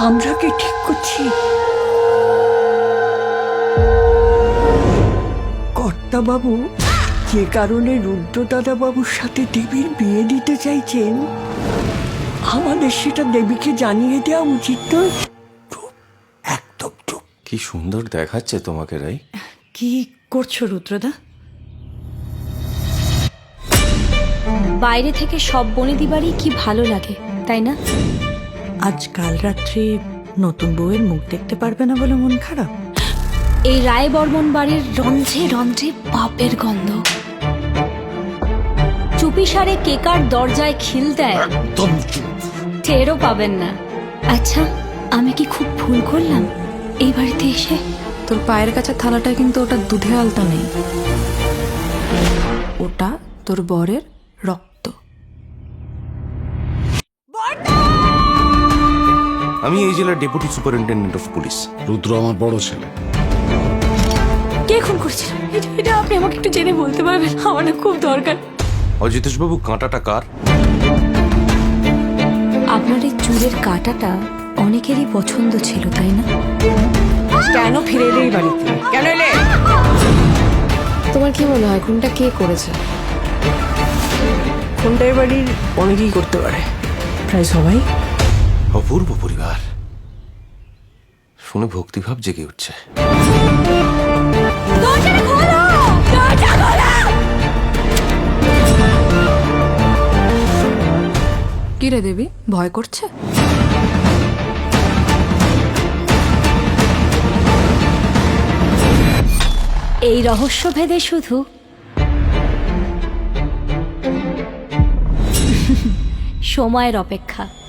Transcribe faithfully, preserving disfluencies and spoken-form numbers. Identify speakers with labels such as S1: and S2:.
S1: আমরা কি ঠিক করছি? কর্তা বাবু যে কারণে রুদ্রদাদা বাবুর সাথে দেবীর বিয়ে দিতে চাইছেন, আমাদের সেটা দেবীকে জানিয়ে দেওয়া উচিত নয়? একদম চুপ।
S2: কি সুন্দর দেখাচ্ছে তোমাকে রাই।
S3: কি করছো রুদ্রদা?
S4: বাইরে থেকে সব বনেদি বাড়ি কি ভালো লাগে, তাই না?
S3: আজ কাল রাত্রে নতুন বউয়ের মুখ দেখতে পারবে না বলে মন খারাপ?
S4: এই রায় বর্মন বাড়ির রন্ধ্রে রন্ধ্রে পাপের গন্ধ। চুপিসারে কেকার দরজায় খিল দেয়,
S2: একদম চুপ।
S4: টেরও পাবেন না। আচ্ছা, আমি কি খুব ভুল করলাম এই বাড়িতে এসে?
S5: তোর পায়ের কাছে থালাটা কিন্তু ওটা দুধে আলতা নেই, ওটা তোর বরের রক্ত।
S2: আমি এই জেলার deputy superintendent of police.
S6: Rudra আমার বড় ছেলে।
S4: কে খুন করছিল? এটা এটা আপনি আমাকে একটু জেনে বলতে পারবেন? আমার না খুব দরকার।
S2: অজিতেশ বাবু, কাঁটাটা কার?
S4: আপনার এই চুলের কাঁটাটা অনেকেরই পছন্দ ছিল, তাই না?
S3: কেন ফিরে এলে এই বাড়িতে? কেন এলে?
S5: তোমার কি মনে হয় খুনটা কে করেছে?
S3: কোনটা এই বাড়ির অনেকেই করতে পারে, প্রায় সবাই।
S2: অপূর্ব পরিবার শুনে ভক্তিভাব জেগে উঠছে।
S5: কি রে দেবী, ভয় করছে?
S4: এই রহস্য ভেদে শুধু সময়ের অপেক্ষা।